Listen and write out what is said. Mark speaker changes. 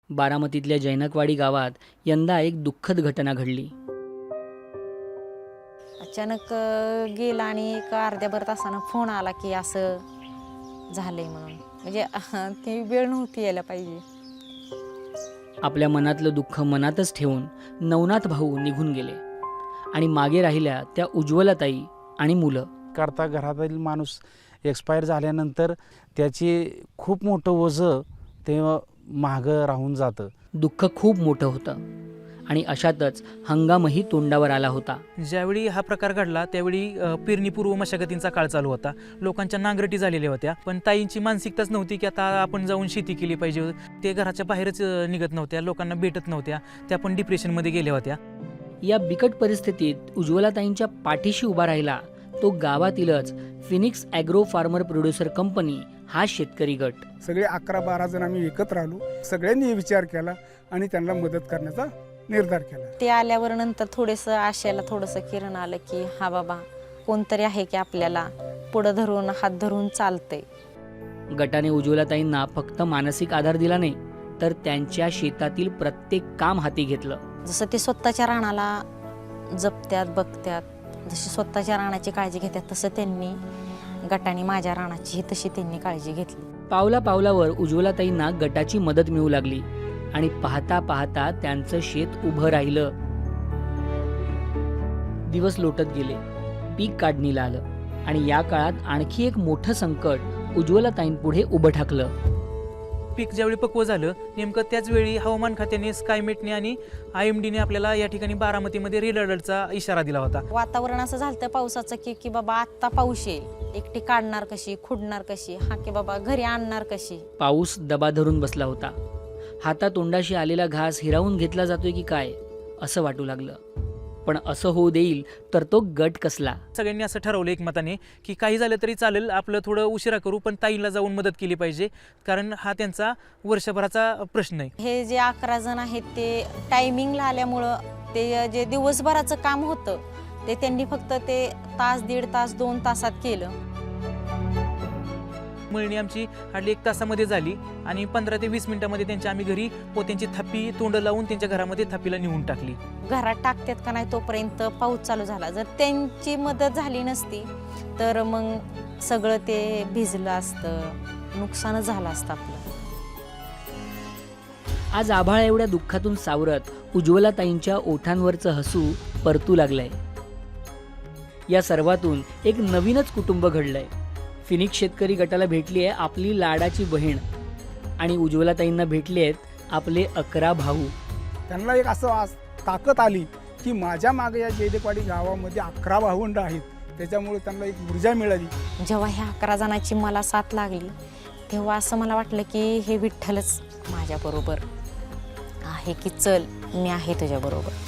Speaker 1: बारामतीतल्या जैनकवाडी गावात यंदा एक दुःखद घटना घडली.
Speaker 2: अचानक गेला आणि एक अर्ध्याभर तासानं फोन आला की असं झालंय म्हणून. म्हणजे ती वेळ नव्हती यायला पाहिजे.
Speaker 1: आपल्या मनातलं दुःख मनातच ठेवून नवनाथ भाऊ निघून गेले आणि मागे राहिल्या त्या उज्ज्वलाताई आणि मुलं.
Speaker 3: करता घरातील माणूस एक्सपायर झाल्यानंतर त्याची खूप मोठं ओझं ते मागं राहून जातं.
Speaker 1: दुःख खूप मोठं होतं आणि अशातच हंगामही तोंडावर आला होता.
Speaker 4: ज्यावेळी हा प्रकार घडला त्यावेळी पेरणीपूर्व मशागतींचा काळ चालू होता. लोकांच्या नांगरटी झालेल्या होत्या, पण ताईंची मानसिकताच नव्हती की आता आपण जाऊन शेती केली पाहिजे. ते घराच्या बाहेरच निघत नव्हत्या, लोकांना भेटत नव्हत्या, त्या पण डिप्रेशनमध्ये गेल्या होत्या.
Speaker 1: या बिकट परिस्थितीत उज्ज्वलाताईंच्या पाठीशी उभा राहिला तो गावातीलच Phoenix agro farmer producer company हा शेतकरी गट.
Speaker 5: सगळे 11-12 जण आम्ही एकत्र आलो. सगळ्यांनी विचार केला आणि त्यांना मदत करण्याचा निर्धार केला.
Speaker 2: ते आल्यावर नंतर थोडंसं आशयाला थोडंसं किरण आलं की हा बाबा कोणतरी आहे की आपल्याला पुढं धरून हात धरून चालतंय.
Speaker 1: गटाने उज्ज्वलाताईंना फक्त मानसिक आधार दिला नाही तर त्यांच्या शेतातील प्रत्येक काम हाती घेतलं.
Speaker 2: जसं ते स्वतःच्या रानाला जपत्यात बघत्यात, जशी स्वतःच्या रानाची काळजी घेतात तसं त्यांनी गटाने माझ्या रानाची तशी त्यांनी काळजी घेतली.
Speaker 1: पावला पावलावर उज्ज्वलाताईंना गटाची मदत मिळू लागली आणि पाहता पाहता त्यांचं शेत उभं राहिलं. दिवस लोटत गेले, पीक काढणीला आलं आणि या काळात आणखी एक मोठं संकट उज्ज्वलाताईंपुढे उभं ठाकलं.
Speaker 4: पीक ज्यावेळी पक्व झालं नेमकं त्याच वेळी हवामान खात्याने, स्कायमेटने आणि IMDने आपल्याला या ठिकाणी बारामतीमध्ये रेड अलर्टचा इशारा दिला होता.
Speaker 2: वातावरण असं झालं पावसाचं की बाबा आत्ता पाऊस येईल, एकटी काढणार कशी, खुडणार कशी, हा की बाबा घरी आणणार कशी.
Speaker 1: पाऊस दबा धरून बसला होता. हातातोंडाशी आलेला घास हिरावून घेतला जातोय की काय असं वाटू लागलं. पण असं होऊ देईल तर तो गट कसला.
Speaker 4: सगळ्यांनी असं ठरवलं एकमताने की काही झालं तरी चालेल, आपलं थोडं उशिरा करू पण ताईला जाऊन मदत केली पाहिजे, कारण हा त्यांचा वर्षभराचा प्रश्न आहे.
Speaker 2: हे जे 11 जण आहेत ते टायमिंगला आल्यामुळं ते जे दिवसभराचं काम होतं ते त्यांनी फक्त ते तास, 1.5 तास, 2 तासात केलं.
Speaker 4: मळणी आमची हार्डली 1 तासामध्ये झाली आणि 15 ते 20 मिनिटांमध्ये त्यांच्या आम्ही घरी पोत्यांची थापी तोंड लावून त्यांच्या घरामध्ये थापीला नेऊन टाकली.
Speaker 2: घरात टाकतात का नाही तोपर्यंत पाऊस चालू झाला. जर त्यांची मदत झाली नसती तर मग सगळं ते भिजलं असतं, नुकसानच झालं असतं आपलं.
Speaker 1: आज आभाळ एवढ्या दुःखातून सावरत उज्ज्वलाताईंच्या ओठांवरचं हसू परतू लागलंय. या सर्वातून एक नवीनच कुटुंब घडलंय. फिनिक्स शेतकरी गटाला भेटली आहे आपली लाडाची बहीण आणि उज्ज्वलाताईंना भेटले आहेत आपले 11 भाऊ.
Speaker 5: त्यांना एक असं ताकद आली की माझ्या मागे या जैनकवाडी गावामध्ये 11 भावंड आहेत, त्याच्यामुळे त्यांना एक ऊर्जा मिळाली.
Speaker 2: जेव्हा ह्या 11 जणांची मला साथ लागली तेव्हा असं मला वाटलं की हे विठ्ठलच माझ्याबरोबर आहे की चल मी आहे तुझ्याबरोबर.